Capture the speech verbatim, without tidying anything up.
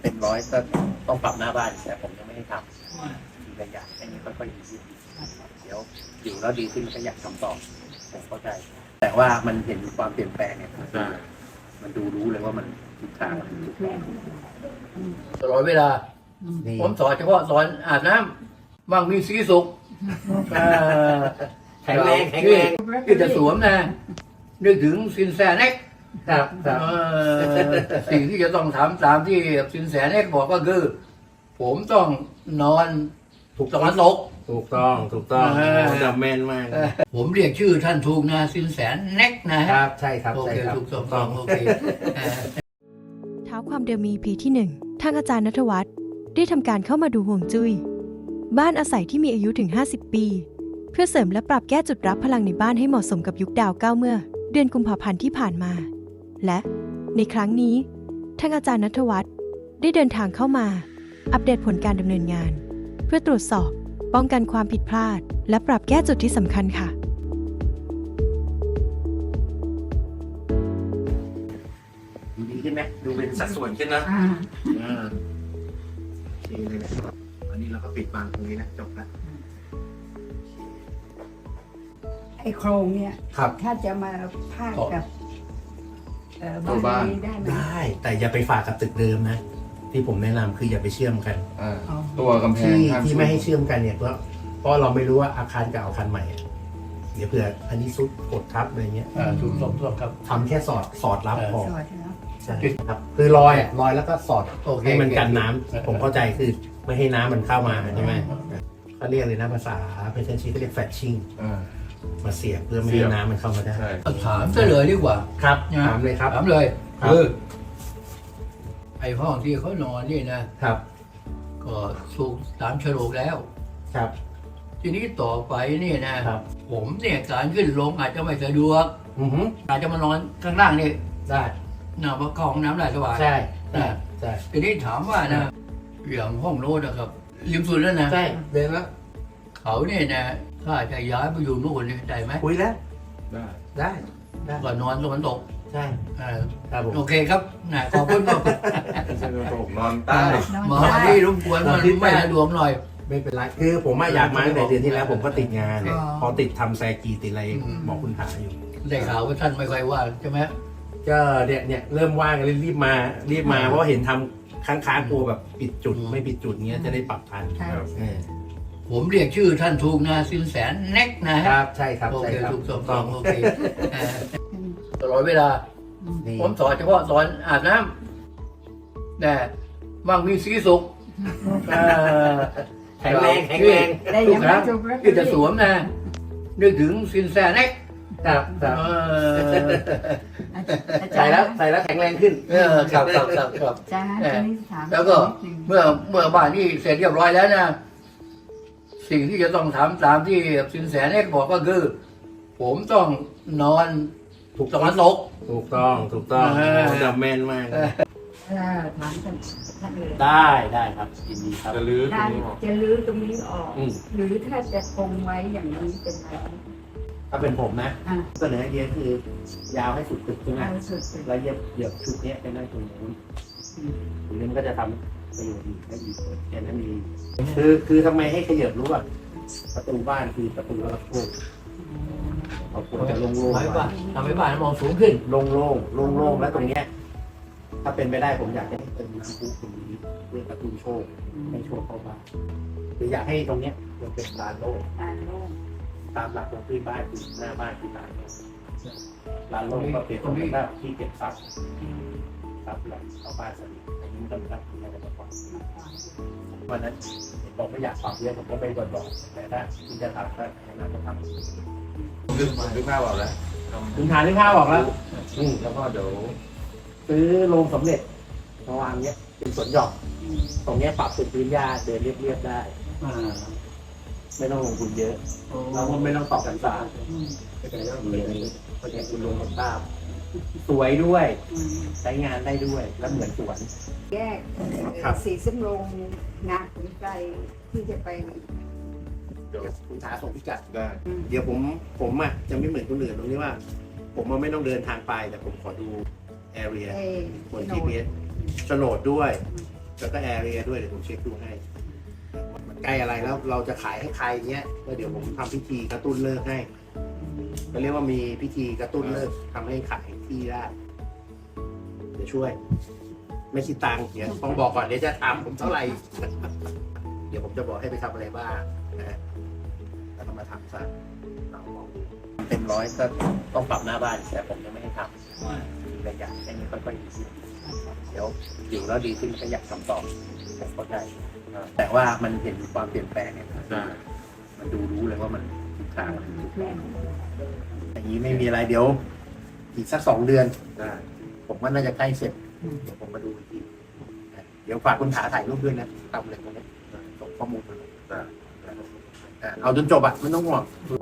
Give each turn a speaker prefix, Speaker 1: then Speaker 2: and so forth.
Speaker 1: เต็มร้อยก็ต้องปรับหน้าบ้านแต่ผมยังไม่ได้ทำทีละอย่างแค่นี้ค่อยๆดีขึ้นเดี๋ยวอยู่แล้วดีขึ้นก็อยากทำต่อผมเข้าใจแต่ว่ามันเห็นความเปลี่ยนแปลงเนี่ยมันดูรู้เลยว่ามันทิศทางมันถูกต้องตลอดเวลาผมสอนเฉพาะสอนอาบน้ำมั่งมีสีสุข
Speaker 2: แข็งแรงแข็งแรง
Speaker 1: ที่จะสวมนะนึกถึงสินแสเน็ก
Speaker 2: ครับครับ
Speaker 1: สิ่งที่จะต้องทำตามที่สินแสเน็กบอกก็คือ ผมต้องนอนถูกตะวันตก
Speaker 2: ถูกต้องถูกต้องจำแม่นมาก
Speaker 1: ผมเรียกชื่อท่านถูกนะสินแสเน็กนะ
Speaker 2: ค
Speaker 1: ฮะ
Speaker 2: รับใช่ครับ
Speaker 1: โอ
Speaker 2: ใช่
Speaker 1: เค
Speaker 2: ครับ
Speaker 1: ถูกต้องโอเค
Speaker 3: เท้าความเดิมมี อี พี ที่ หนึ่ง ทางอาจารย์ณัฐวัฒน์ได้ทำการเข้ามาดูห่วงจุ้ยบ้านอาศัยที่มีอายุถึง ห้าสิบ ปี เพื่อเสริมและปรับแก้จุดรับพลังในบ้านให้เหมาะสมกับยุคดาวเก้าเมื่อ เดือนกุมภาพันธ์ที่ผ่านมา และในครั้งนี้ทางอาจารย์ณัฐวัฒน์ได้เดินทางเข้ามา อัปเดตผลการดำเนินงาน เพื่อตรวจสอบป้องกันความผิดพลาด และปรับแก้จุดที่สำคัญค่ะ
Speaker 2: ดูดีขึ้นไหมดูเป็นสัดส่วนขึ้นนะ
Speaker 4: อ่า
Speaker 2: อ่าโอเคเลยนะอันนี้เราก็ปิดบางตรงนี้นะจบละ
Speaker 4: ไอโครงเนี่ย
Speaker 2: ครับ
Speaker 4: ถ้าจะมาพาดกับเอ่อ
Speaker 1: ตัวบ้าน
Speaker 4: นี้ได้ไหม
Speaker 2: ได้แต่อย่าไปฝากกับตึกเดิมนะ ที่ผมแนะนำคืออย่าไปเชื่อมกัน
Speaker 5: อ่า
Speaker 4: อ๋อ
Speaker 5: ตัวกำแพง
Speaker 2: ที่
Speaker 5: ข้าง
Speaker 2: ที่ไม่ให้เชื่อมกันเนี่ยเพราะเพราะเราไม่รู้ว่าอาคารเก่าอาคารใหม่อะเดี๋ยวเผื่ออันนี้ซุดกดทับอะไรเงี้ย
Speaker 1: อ่าถูกต้องถูกต้องครับ
Speaker 2: ทำแค่สอดสอดรับพอ
Speaker 4: สวัสดีครับ
Speaker 2: ใช่ครับคือรอยอ่ะรอยแล้วก็สอด
Speaker 1: โอเค
Speaker 2: ให้มันกันน้ำ
Speaker 1: โอเค
Speaker 2: ผมเข้าใจคือไม่ให้น้ำมันเข้ามาใช่ไหมเขาเรียกเลยนะภาษาเป็นชั้นชี้เขาเรียกแฟชชิ่ง
Speaker 5: อ่า
Speaker 2: มาเสียบเพื่อไม่
Speaker 5: เสี
Speaker 2: ให้
Speaker 5: ยบ
Speaker 2: น้ำมันเข้ามาได้
Speaker 5: ใช่
Speaker 1: ถามซะเลยดีกว่า
Speaker 2: ครับ
Speaker 1: นะ
Speaker 2: ถามเลยครับ
Speaker 1: ถามเลย
Speaker 2: ครับ
Speaker 1: คือไอ้ห้องที่เขานอนนี่นะครับ ก็ถูกตามโฉลกแล้ว
Speaker 2: ครับ
Speaker 1: ทีนี้ต่อไปนี่นะครับ ผมเนี่ยการขึ้นลงอาจจะไม่สะดวก
Speaker 2: อือฮึ
Speaker 1: อาจจะมานอนข้างล่างนี่
Speaker 2: ได้
Speaker 1: นะเพราะเข้าห้องน้ำได้สบาย
Speaker 2: ใช่ได้ใช่
Speaker 1: ทีนี้ถามว่านะอย่างห้องโน้นนะครับริมสุดแล้วนะ
Speaker 2: ใช่เดินแล้ว
Speaker 1: เขาเนี่ยนะถ้าจะย้ายไปอยู่นู่นนี่ได้ไหม
Speaker 2: คุยแล้ว
Speaker 5: ได้
Speaker 2: ได้ได้
Speaker 1: ก็นอนตะวันตก
Speaker 2: ใช่
Speaker 1: เออ
Speaker 2: ครับผม
Speaker 1: โอเคครับนะขอบคุณครับ
Speaker 5: ไม่ใช่ตัวผมนอนใต้
Speaker 1: มาที่รบกวนมันไม่สะดวกหน่อย
Speaker 2: ไม่เป็นไรคือผมอะอยากมาตั้งแต่เดือนที่แล้วผมก็ติดงาน
Speaker 1: อ๋อ
Speaker 2: พอติดทำแซกีติดอะไร
Speaker 1: อืม
Speaker 2: บอกคุณหาอยู่
Speaker 1: ได้ข่าวว่าท่านไม่ค่อยว่างใช่ไหม
Speaker 2: ก็เนี่ยเนี่ยเริ่มว่างเลยรีบมารีบมา
Speaker 1: อืม
Speaker 2: เพราะว่าเห็นทำค้างค้างกลัวแบบปิดจุด
Speaker 1: อืม
Speaker 2: ไม่ปิดจุดเงี้ยจะได้ปรับทัน
Speaker 4: ใช่
Speaker 2: เออ
Speaker 1: ผมเรียกชื่อท่านถูกนะสินแสเน็กนะ
Speaker 2: ค
Speaker 1: ฮะ
Speaker 2: รับใช่ครับ
Speaker 1: โอ
Speaker 2: ใช่
Speaker 1: เค
Speaker 2: ครับ
Speaker 1: ถูกต้องโอเคเออ
Speaker 4: อืม
Speaker 1: ตลอดเวลา
Speaker 2: นี่
Speaker 1: ผมสอนเฉพาะสอนอาบน้ำนะมั่งมีสีสุข
Speaker 2: แข็งแรงแข็งแรง
Speaker 4: ได้
Speaker 1: ถู
Speaker 4: ยั
Speaker 1: ก
Speaker 4: ง
Speaker 1: ค
Speaker 4: ไม่
Speaker 1: รับ
Speaker 4: จบแล้ว
Speaker 1: ที่จะสวมนะนึกถึงสินแสเน็ก
Speaker 2: ครับครับ
Speaker 1: เออ
Speaker 4: อาจา
Speaker 2: ใส่
Speaker 4: รย์
Speaker 2: แล้วใส่แล้วแข็งแรงขึ้น
Speaker 1: เออครับครับครับครับ
Speaker 4: อาจารย์ตอนนี้ถาม
Speaker 1: แล้วก็
Speaker 4: นิดนึง
Speaker 1: เมื่อเมื่อบ้านนี้เสร็จเรียบร้อยแล้วนะสิ่งที่จะต้องทำตามที่สินแสเน็กบอกก็คือ ผมต้องนอนถูกตะวันตก
Speaker 2: ถูกต้องถูกต้อง
Speaker 1: เออ
Speaker 2: จำแม่นมาก
Speaker 4: เออถามท่านท่านเลย
Speaker 2: ได้ได้ครับยินดีครับ
Speaker 5: จะลื้อตร
Speaker 4: กาง ร
Speaker 5: นี้ออก
Speaker 4: จะลื้อตรงนี้ออก
Speaker 2: อืม
Speaker 4: หรือถ้าจะคงไว้อย่างนี้เป็นไร
Speaker 2: ถ้าเป็นผมนะ
Speaker 4: อ่ะ
Speaker 2: เสนอไอเดียคือยาวให้สุดตึกใช่ไหม
Speaker 4: เอาสุด
Speaker 2: แล้วเย็บเหยียบชุดเนี้ยไปนั่งตรงนู้นตรงนี้มันก็จะทำประโยชน์ดีได้ดีแค่นั้นดีคือคือทำไมให้ขยับรู้อ่ะประตูบ้านคือประตูรับโชคเราควรจะโล่ง
Speaker 1: ทำให้บ้าน
Speaker 2: ๆ
Speaker 1: ทำให้บ้านมองสูงขึ้น
Speaker 2: โล่งๆโล่งๆแล้วตรงเนี้ย ถ้าเป็นไปได้ผมอยากให้เป็นน้ำพุตรงนี้เพื่อประตูโชคให้โชคเข้าบ้านคืออยากให้ตรงเนี้ยมันเป็นลานโล่ง
Speaker 4: อ่านโล่ง
Speaker 2: ตามหลักของพื้นบ้านคือหน้าบ้านคือลานโล่งลานโล่งก็เปรียบเสมือนแบบที่เก็บทรัพย์ทรัพย์ไหลเข้าบ้านสนิทอันนี้มันก็เป็นรับที่อะไรมาก่อนวันนั้นเห็นบอกไม่อยากปรับเยอะผมก็ไม่บ่นบอกแต่ถ้าคุณจะทำก็แนะนำก็ทำ
Speaker 5: นึกนึกภาพออกแล้ว
Speaker 2: ถึงทานที่ข้าวบอกแล้วอืม
Speaker 5: แล้วก็เดี๋ยว
Speaker 2: ซื้อโรงสำเร็จมาวางเนี้ยเป็นสวนหย่อมตรงเนี้ยปรับเป็นพื้นหญ้าเดินเรียบๆได้
Speaker 1: อ่า
Speaker 2: ไม่ต้องลงทุนเยอะเราก็ไม่ต้องตอกกันสารไม่เป็นเรื่องเลยเพราะฉะนั้นคุณลงกับตามสวยด้วย
Speaker 4: อืม
Speaker 2: ใช้งานได้ด้วยแล้วเหมือนสวน
Speaker 4: แยกเอ่อ
Speaker 2: ครับ
Speaker 4: สีสำโรงงานขุนไกรที่จะไป
Speaker 5: เดี๋ยว
Speaker 2: คุณหาส่งพิกัด
Speaker 5: ได้
Speaker 4: อืม
Speaker 2: เดี๋ยวผมผมอ่ะจะไม่เหมือนคนอื่นตรงที่ว่า ผมมันไม่ต้องเดินทางไปแต่ผมขอดู area
Speaker 4: เอ่อบ
Speaker 2: น
Speaker 4: โฉ
Speaker 2: จี
Speaker 4: น
Speaker 2: พี
Speaker 4: ด
Speaker 2: เอสโฉนดด้วยแล้วก็แอร์เรียด้วยเดี๋ยวผมเช็คดูให้มันใกล้อะไรแล้วเราจะขายให้ใครเนี้ยก็เดี๋ยวผมทำพิธีกระตุ้นเลิกให้ก็เรียกว่ามีพิธีกระตุ้นเลิกทำให้ขายที่ได้เดี๋ยวช่วย ไม่คิดตังค์เดี๋ยวต้องบอกก่อนเดี๋ยวจะถามผมเท่าไหร่ เดี๋ยวผมจะบอกให้ไปทำอะไรบ้างนะฮะแล้วก็มาทำซะเราลองดู
Speaker 1: เต็มร้อยก็ต้องปรับหน้าบ้านแต่ผมยังไม่ได้ทำมีระยะแค่นี้ค่อยๆดีขึ้นเดี๋ยวอยู่แล้วดีขึ้นก็อยากทำต่อผมเข้าใจแต่ว่ามันเห็นความเปลี่ยนแปลงเนี่ย
Speaker 5: ใช่
Speaker 1: มันดูรู้เลยว่ามันทิศทางมันถูกต้องอย่างนี้ไม่มีอะไรเดี๋ยว อีกสักสองเดือน
Speaker 5: ได้
Speaker 1: ผมว่าน่าจะใกล้เสร็จเดี๋ยวผมมาดูอีกทีนะเดี๋ยวฝากคุณถาถ่ายรูปด้วยนะทำอะไรตรงนี้ส่งข้อมูลมา
Speaker 5: ได้
Speaker 1: อ่ะเอาจนจบอ่ะไม่ต้องห่วง